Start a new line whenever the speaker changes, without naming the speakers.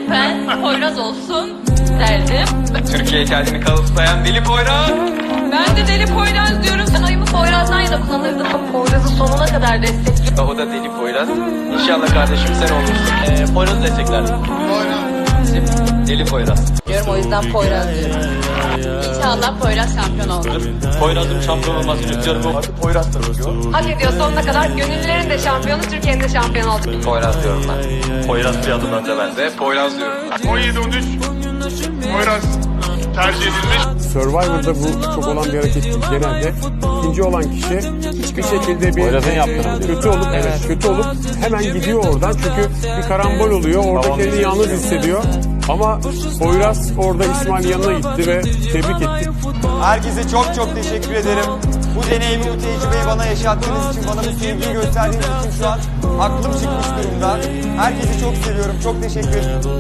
ben Poyraz olsun derdim.
Türkiye kendini kanıtlayan Deli Poyraz.
Ben de Deli Poyraz diyorum. Ben oyumu Poyraz'dan ya da kullanırdım. Poyraz'ı sonuna kadar destekliyorum.
O da Deli Poyraz. İnşallah kardeşim sen olursun. Poyraz'ı desteklerdim. Deli Poyraz.
Diyorum, o yüzden Poyraz diyorum. İnşallah Poyraz şampiyon olur.
Poyraz'ın şampiyon olmasını istiyorum. Artık Poyraz tanıyor.
Hak ediyor sonuna kadar. Gönüllülerin de şampiyonu, Türkiye'nin de şampiyon olacak.
Poyraz diyorum ben. Poyraz bir adım önde bende. Poyraz diyorum.
17-13 Poyraz tercih edilmiş.
Survivor'da bu çok olan bir hareket değil. Genelde ikinci olan kişi hiçbir şekilde bir kötü olup hemen gidiyor oradan. Çünkü bir karambol oluyor. Orada kendini yalnız hissediyor. Ama Poyraz orada İsmail yanına gitti ve tebrik etti.
Herkese çok çok teşekkür ederim. Bu deneyimi, bu tecrübeyi bana yaşattığınız için, bana bu sevgiyi gösterdiğiniz için şu an aklım çıkmış durumda. Herkesi çok seviyorum. Çok teşekkür ederim.